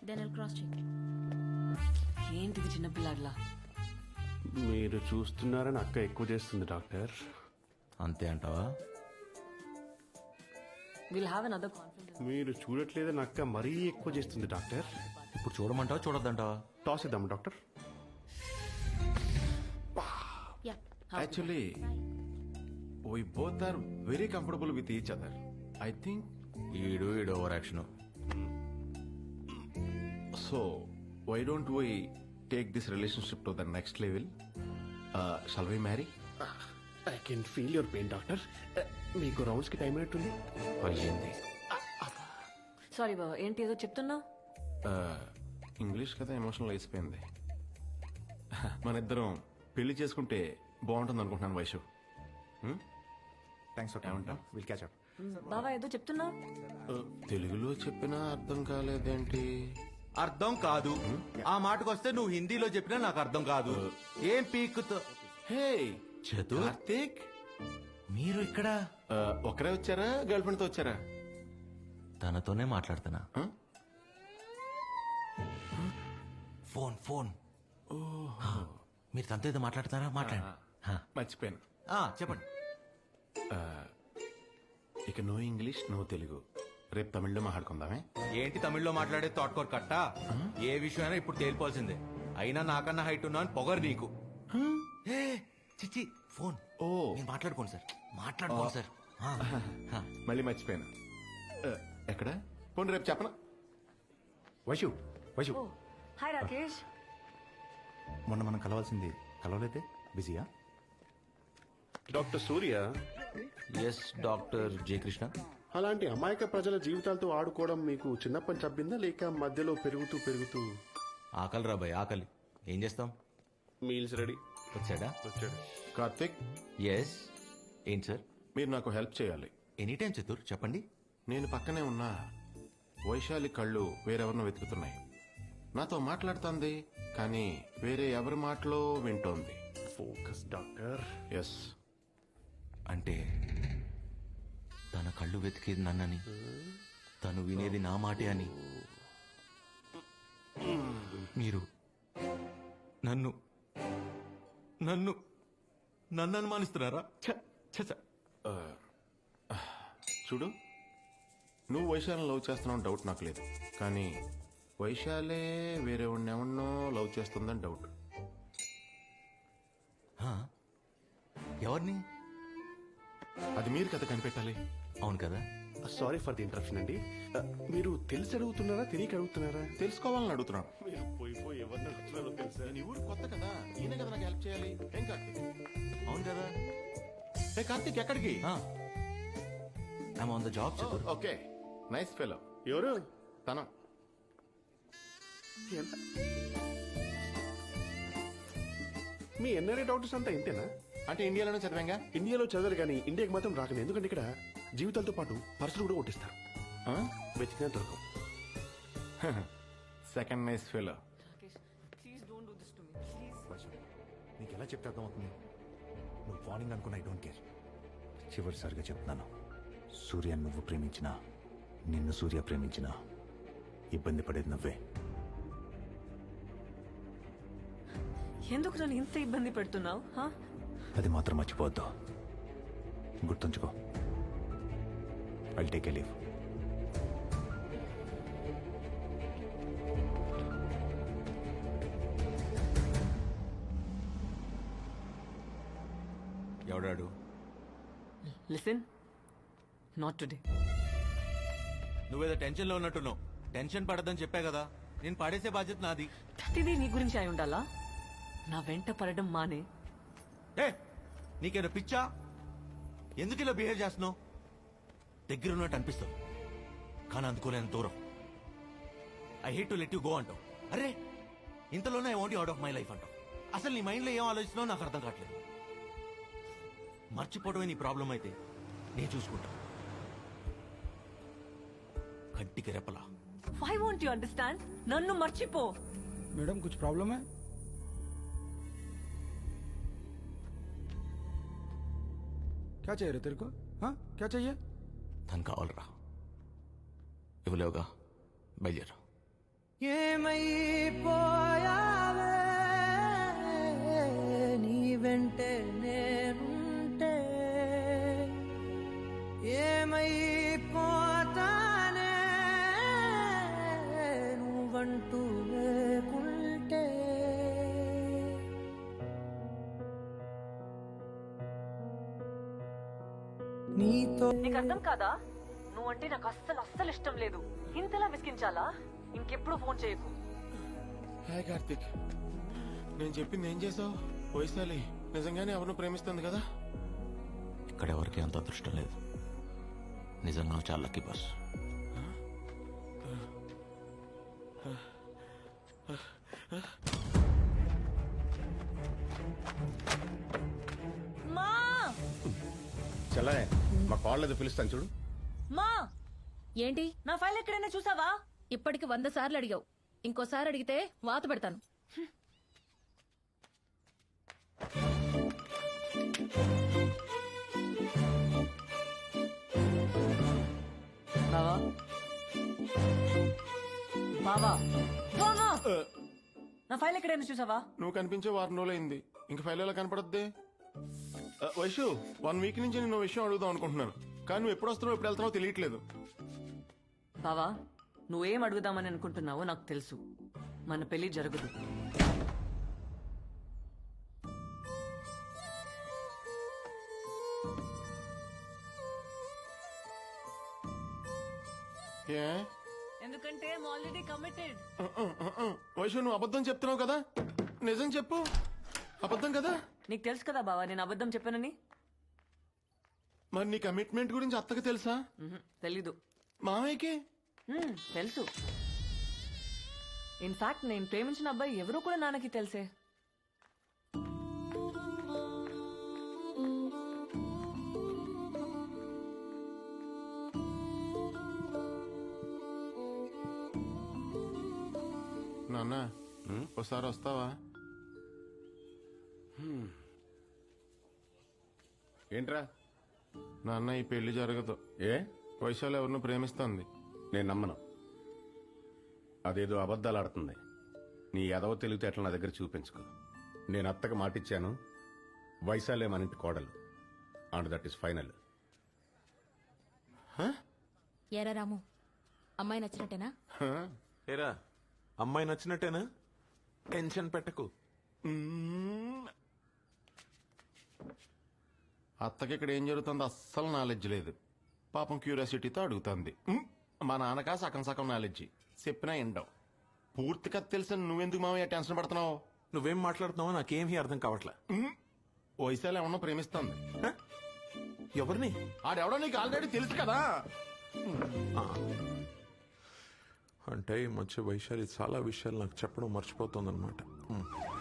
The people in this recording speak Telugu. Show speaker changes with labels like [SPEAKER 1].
[SPEAKER 1] Then I'll cross check.
[SPEAKER 2] ఏంటిది చిన్నపిల్లాడిలా?
[SPEAKER 3] మీరు చూస్తున్నారని అక్క ఎక్కువ చేస్తుంది డాక్టర్.
[SPEAKER 4] అంతే అంటావా?
[SPEAKER 2] We'll have another conference.
[SPEAKER 3] మీరు చూడట్లేదని అక్క మరీ ఎక్కువ చేస్తుంది డాక్టర్.
[SPEAKER 4] ఇప్పుడు చూడమంటావా చూడొద్దంటావా?
[SPEAKER 3] టాస్ ఇద్దాం doctor.
[SPEAKER 1] Yeah.
[SPEAKER 5] Actually, we both are very comfortable with each other. I think
[SPEAKER 4] ఈడు over action.
[SPEAKER 5] so. Why don't we take this relationship to the next level? Shall we marry?
[SPEAKER 3] I can feel your pain doctor. మీకు రౌండ్స్ కి టైం అయినట్టుంది.
[SPEAKER 5] అయ్యింది.
[SPEAKER 2] సారీ బాబా, ఏంటి ఏదో చెప్తున్నావు?
[SPEAKER 5] ఇంగ్లీష్ కదా ఎమోషనల్ అయిపోయింది. మన ఇద్దరం పెళ్లి చేసుకుంటే బాగుంటుంది అనుకుంటున్నాను వైషు.
[SPEAKER 6] థ్యాంక్స్ ఫర్
[SPEAKER 5] ఏమంటావ్?
[SPEAKER 6] Will catch up.
[SPEAKER 2] బాబా ఏదో చెప్తున్నావు?
[SPEAKER 5] తెలుగులో చెప్పినా అర్థం కాలేదేంటి?
[SPEAKER 4] అర్థం కాదు. ఆ మాటకొస్తే నువ్వు హిందీలో చెప్పినా నాకు అర్థం కాదు. ఏం పీక్కుతో?
[SPEAKER 5] హే
[SPEAKER 4] చతు,
[SPEAKER 5] కార్తీక్,
[SPEAKER 4] మీరు ఇక్కడ?
[SPEAKER 5] ఒకరే వచ్చారా గర్ల్ ఫ్రెండ్ తో వచ్చారా?
[SPEAKER 4] తనతోనే మాట్లాడుతున్నా.
[SPEAKER 5] Huh?
[SPEAKER 4] ఫోన్ మీరు తనతో ఏదో మాట్లాడుతున్నారా? మాట్లాడండి.
[SPEAKER 5] మర్చిపోయాను.
[SPEAKER 4] చెప్పండి.
[SPEAKER 5] ఇక నో ఇంగ్లీష్ నో తెలుగు, రేపు తమిళ్లో మాట్లాడుకుందామే.
[SPEAKER 4] ఏంటి తమిళ్లో మాట్లాడే తోటకూర కట్ట? ఏ విషయమైనా ఇప్పుడు తేలిపోవాల్సిందే. అయినా నాకన్నా హైట్ ఉన్నా అని పొగరు నీకు. ఏ, చిచ్చి ఫోన్.
[SPEAKER 5] ఓ
[SPEAKER 4] నేను మాట్లాడుకోండి సార్, మాట్లాడుకోండి సార్.
[SPEAKER 5] మళ్ళీ మర్చిపోయాను. ఎక్కడ పోనీ రేపు చెప్పనా?
[SPEAKER 6] వైషు వైషు,
[SPEAKER 2] హాయ్ రాకేష్.
[SPEAKER 6] మొన్న మనం కలవాల్సింది కలవలేదే, బిజీయా?
[SPEAKER 3] Doctor Surya,
[SPEAKER 4] yes doctor J Krishna.
[SPEAKER 3] అలాంటి అమాయక ప్రజల జీవితాలతో ఆడుకోవడం మీకు చిన్నప్పని చబ్బిందా లేక మధ్యలో పెరుగుతూ
[SPEAKER 4] ఆకలి రాబాయ్, ఆకలి. ఏం చేస్తాం?
[SPEAKER 3] మీల్స్ రెడీ
[SPEAKER 4] వచ్చాడా?
[SPEAKER 3] వచ్చాడు.
[SPEAKER 5] కార్తిక్,
[SPEAKER 4] ఎస్. ఏంటి సార్?
[SPEAKER 5] మీరు నాకు హెల్ప్ చేయాలి.
[SPEAKER 4] ఎనీ టైం చతుర్, చెప్పండి.
[SPEAKER 5] నేను పక్కనే ఉన్నా వైశాలి కళ్ళు వేరెవరినో వెతుకుతున్నాయి. నాతో మాట్లాడుతోంది కానీ వేరే ఎవరి మాటలో వింటోంది.
[SPEAKER 3] Focus doctor.
[SPEAKER 5] ఎస్.
[SPEAKER 4] అంటే తన కళ్ళు వెతికేది నన్నని, తను వినేది నా మాటే అని. మీరు నన్ను నన్ను నన్ను అనుమానిస్తున్నారా?
[SPEAKER 5] చూడు, నువ్వు వైశాలిని లవ్ చేస్తున్నావు డౌట్ నాకు లేదు, కానీ వైశాలే వేరే ఎవరినో లవ్ చేస్తుందని డౌట్.
[SPEAKER 4] ఎవరిని?
[SPEAKER 5] అది మీరు కథ కనిపెట్టాలి.
[SPEAKER 4] అవును కదా.
[SPEAKER 3] సారీ ఫర్ ది ఇంటరప్షన్ అండి. మీరు తెలిసి అడుగుతున్నారా తెలియక అడుగుతున్నారా?
[SPEAKER 5] తెలుసుకోవాలని అడుగుతున్నాను.
[SPEAKER 3] మీరు పోయి ఎవరిని అడుగుతున్నారో తెలుసా?
[SPEAKER 5] నేను ఈ ఊరు కొత్త కదా, ఈయన కదా నాకు హెల్ప్ చేయాలి. ఏం కార్తీక్?
[SPEAKER 4] అవును కదా.
[SPEAKER 5] ఏ కార్తీక్, ఎక్కడికి?
[SPEAKER 4] I'm on the job Chatur.
[SPEAKER 5] Okay, nice fellow.
[SPEAKER 3] ఎవరు?
[SPEAKER 5] తన
[SPEAKER 3] ఎంత? మీ ఎన్ఆర్ఐ డాక్టర్స్ అంతా ఇంతేనా?
[SPEAKER 5] అంటే ఇండియాలోనే చదివాంగా.
[SPEAKER 3] ఇండియాలో చదవరు కానీ ఇండియాకి మాత్రం రాకలేదు. ఎందుకంటే ఇక్కడ జీవితాలతో పాటు పర్సులు కూడా కొట్టిస్తారు. వెతికినా దొరకవు.
[SPEAKER 5] Second nice fellow.
[SPEAKER 2] Please don't do this to me please.
[SPEAKER 6] Vaishu, నీకు ఎలా చెప్తే అర్థమవుతుంది? నువ్వు వార్నింగ్ అనుకున్న ఐ డోంట్ కేర్. చివరిసారిగా చెప్తున్నాను, సూర్య నువ్వు ప్రేమించినా నిన్ను సూర్య ప్రేమించినా ఇబ్బంది పడేది నువ్వే.
[SPEAKER 2] ఎందుకు నన్ను ఇంత ఇబ్బంది పెడుతున్నావు?
[SPEAKER 6] అది మాత్రం మర్చిపోవద్దు, గుర్తుంచుకో. I'll take a leave.
[SPEAKER 4] ఎవడాడు?
[SPEAKER 2] Listen, not today.
[SPEAKER 4] నువ్వేదో టెన్షన్ లో ఉన్నట్టున్నావు. టెన్షన్ పడద్దని చెప్పా కదా. నేను పడేసే బాధ్యత నాది.
[SPEAKER 2] ప్రతిదీ నీ గురించి అయి ఉండాలా? నా వెంట పడడం మానే.
[SPEAKER 4] ఏ, నీకేదో పిచ్చా? ఎందుకు ఇలా బిహేవ్ చేస్తున్నావు? దగ్గర ఉన్నట్టు అనిపిస్తావు కానీ అందుకోలేని దూరం. I hate to let you go అంటావు. అరే, ఇంతలోనే I want you out of my life అంటావు. అసలు నీ మైండ్ లో ఏం ఆలోచిస్తున్నావు నాకు అర్థం కావట్లేదు. మర్చిపోవడమే నీ ప్రాబ్లం అయితే నేను చూసుకుంటా. కంటికి రెప్పలా.
[SPEAKER 2] Why won't you understand? నన్ను మర్చిపో.
[SPEAKER 7] मैडम कुछ प्रॉब्लम है? क्या चाहिए रे तेरे को? हाँ क्या चाहिए?
[SPEAKER 4] తను కావాలరా. ఇవ్వలేవుగా, బయలుదేరా.
[SPEAKER 8] ఏమైపోయావే నీ వెంటే నేనుంటే ఏమైపోతానే నువ్వంటూ లేకుంటే నీతో
[SPEAKER 2] నీకు అర్థం కాదా నువ్వంటే నాకు అస్సలు ఇష్టం లేదు. ఇంతలా విసిగించాలా? ఇంకెప్పుడు ఫోన్ చేయకు.
[SPEAKER 5] హాయ్ కార్తిక్, నేను చెప్పింది ఏం చేసావు? వైశాలి నిజంగానే ఎవరిని ప్రేమిస్తుంది కదా?
[SPEAKER 4] ఇక్కడ ఎవరికి అంత అదృష్టం లేదు. నిజంగా చాలా లక్కీ బాస్.
[SPEAKER 2] మా
[SPEAKER 3] చల్లనే మా కాళ్ళది పిలుస్తాను చూడు.
[SPEAKER 2] మా
[SPEAKER 1] ఏంటి
[SPEAKER 2] నా ఫైల్ ఎక్కడైనా చూసావా?
[SPEAKER 1] ఇప్పటికి 100 సార్లు అడిగావు. ఇంకోసారి అడిగితే వాత పెడతాను.
[SPEAKER 2] బావా బావా బావా నా ఫైల్ ఎక్కడైనా చూసావా?
[SPEAKER 5] నువ్వు కనిపించే వారం రోజులైంది, ఇంక ఫైల్ ఎలా కనపడద్ది? వైషు, 1 వీక్ నుంచి నేను విషయం అడుగుదాం అనుకుంటున్నాను, కానీ నువ్వు ఎప్పుడు వస్తున్నావు ఎప్పుడు వెళ్తున్నావు తెలియట్లేదు.
[SPEAKER 2] బావా నువ్వేం అడుగుదామని అనుకుంటున్నావో నాకు తెలుసు. మన పెళ్లి జరగదు.
[SPEAKER 5] ఏ
[SPEAKER 2] ఎందుకంటే ఆల్రెడీ కమిటెడ్.
[SPEAKER 5] వైషు, నువ్వు అబద్ధం చెప్తున్నావు కదా? నిజం చెప్పు, అబద్ధం కదా?
[SPEAKER 2] నీకు తెలుసు కదా బావా నేను అబద్ధం చెప్పానని.
[SPEAKER 5] మరి నీ కమిట్మెంట్ గురించి అత్తకు తెలుసా?
[SPEAKER 2] తెలీదు.
[SPEAKER 5] మామయ్యకి
[SPEAKER 2] తెలుసు. ఇన్ఫాక్ట్ నేను ప్రేమించిన అబ్బాయి ఎవరో కూడా నాన్నకి తెలుసే.
[SPEAKER 5] నాన్న, ఒకసారి వస్తావా?
[SPEAKER 3] ఏంట్రా?
[SPEAKER 5] నాన్న, ఈ పెళ్లి జరగదు.
[SPEAKER 3] ఏ?
[SPEAKER 5] వైశాలి ఎవరిని ప్రేమిస్తుంది.
[SPEAKER 3] నేను నమ్మను. అదేదో అబద్ధాలు ఆడుతుంది. నీ ఎదవ తెలివితేటలు నా దగ్గర చూపించుకో. నేను అత్తకు మాటిచ్చాను, వైశాలే మన ఇంటి కోడలు. And that is final.
[SPEAKER 1] ఏరా రాము, అమ్మాయి నచ్చినట్టేనా?
[SPEAKER 9] ఏరా అమ్మాయి నచ్చినట్టేనా? టెన్షన్ పెట్టకు.
[SPEAKER 5] అత్తకి ఇక్కడ ఏం జరుగుతుందో అస్సలు నాలెడ్జ్ లేదు. పాపం క్యూరియాసిటీతో అడుగుతుంది. మా నాన్నకా సగం సగం నాలెడ్జి, చెప్పినా ఎండవు. పూర్తిగా తెలిసి నువ్వెందుకు మామయ్య టెన్షన్ పడుతున్నావు?
[SPEAKER 9] నువ్వేం మాట్లాడుతున్నావో నాకేమీ అర్థం కావట్లే.
[SPEAKER 5] వైశాలి ఏమన్నా ప్రేమిస్తుంది.
[SPEAKER 9] హ? ఎవరిని?
[SPEAKER 5] ఆడెవడో నీకు ఆల్రెడీ తెలుసు కదా.
[SPEAKER 9] అంటే ఈ మధ్య వైశాలి చాలా విషయాలు నాకు చెప్పడం మర్చిపోతుందన్నమాట.